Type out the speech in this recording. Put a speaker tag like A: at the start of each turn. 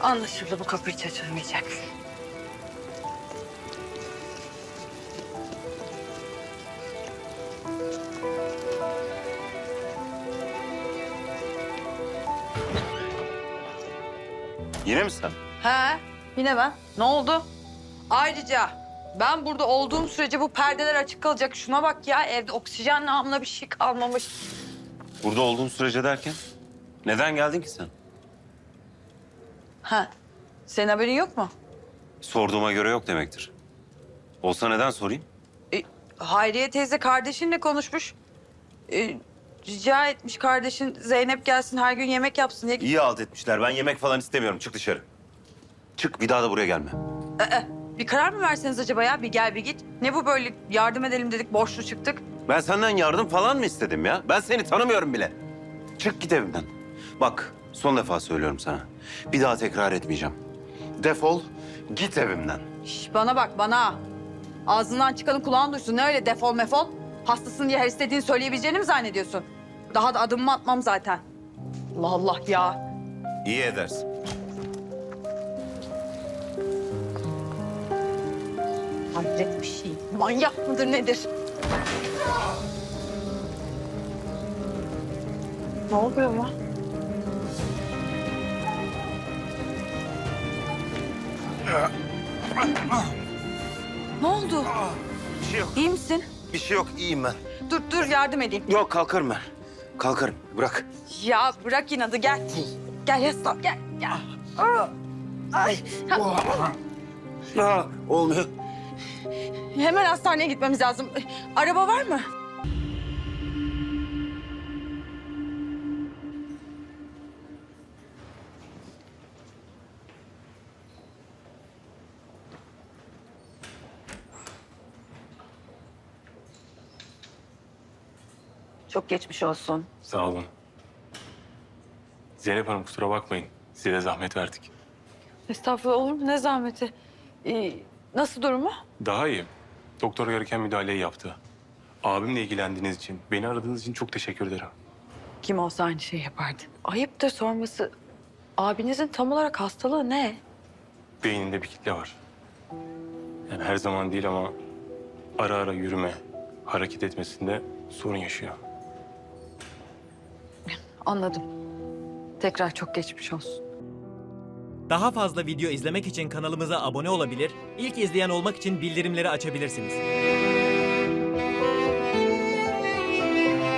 A: Anlaşıldı, bu kapı hiç açılmayacak.
B: Yine mi sen?
A: He, yine ben. Ne oldu? Ayrıca ben burada olduğum sürece bu perdeler açık kalacak. Şuna bak ya, evde oksijen namına bir şey kalmamış.
B: Burada olduğun sürece derken? Neden geldin ki sen?
A: Ha, senin haberin yok mu?
B: Sorduğuma göre yok demektir. Olsa neden sorayım?
A: Hayriye teyze kardeşinle konuşmuş. Rica etmiş kardeşin Zeynep gelsin, her gün yemek yapsın diye.
B: İyi halt etmişler. Ben yemek falan istemiyorum. Çık dışarı. Çık, bir daha da buraya gelme.
A: Bir karar mı verseniz acaba ya? Bir gel bir git. Ne bu böyle, yardım edelim dedik, borçlu çıktık.
B: Ben senden yardım falan mı istedim ya? Ben seni tanımıyorum bile. Çık git evimden. Bak, son defa söylüyorum sana. Bir daha tekrar etmeyeceğim. Defol, git evimden.
A: Şş, bana bak, bana. Ağzından çıkanı kulağın duysun. Ne öyle defol mefol? Hastasın diye her istediğini söyleyebileceğini mi zannediyorsun? Daha da adımımı atmam zaten. Allah Allah ya.
B: İyi edersin.
A: Hayret bir şey. Manyak mıdır nedir? Ne oluyor ama? Ne oldu?
B: Bir şey yok.
A: İyi misin?
B: Bir şey yok. İyiyim ben.
A: Dur yardım edeyim.
B: Yok, kalkarım ben. Kalkarım. Bırak.
A: Ya bırak inadı, gel. Gel yaslan, gel. Aa, ay.
B: Olmuyor.
A: Hemen hastaneye gitmemiz lazım. Araba var mı? Çok geçmiş olsun.
C: Sağ olun. Zeynep Hanım kusura bakmayın. Size de zahmet verdik.
A: Estağfurullah, olur mu? Ne zahmeti. Nasıl durumu?
C: Daha iyi. Doktor gereken müdahaleyi yaptı. Abimle ilgilendiğiniz için, beni aradığınız için çok teşekkür ederim.
A: Kim olsa aynı şeyi yapardı. Ayıptır sorması. Abinizin tam olarak hastalığı ne?
C: Beyninde bir kitle var. Yani her zaman değil ama ara ara yürüme, hareket etmesinde sorun yaşıyor.
A: Anladım. Tekrar çok geçmiş olsun.
D: Daha fazla video izlemek için kanalımıza abone olabilir, ilk izleyen olmak için bildirimleri açabilirsiniz.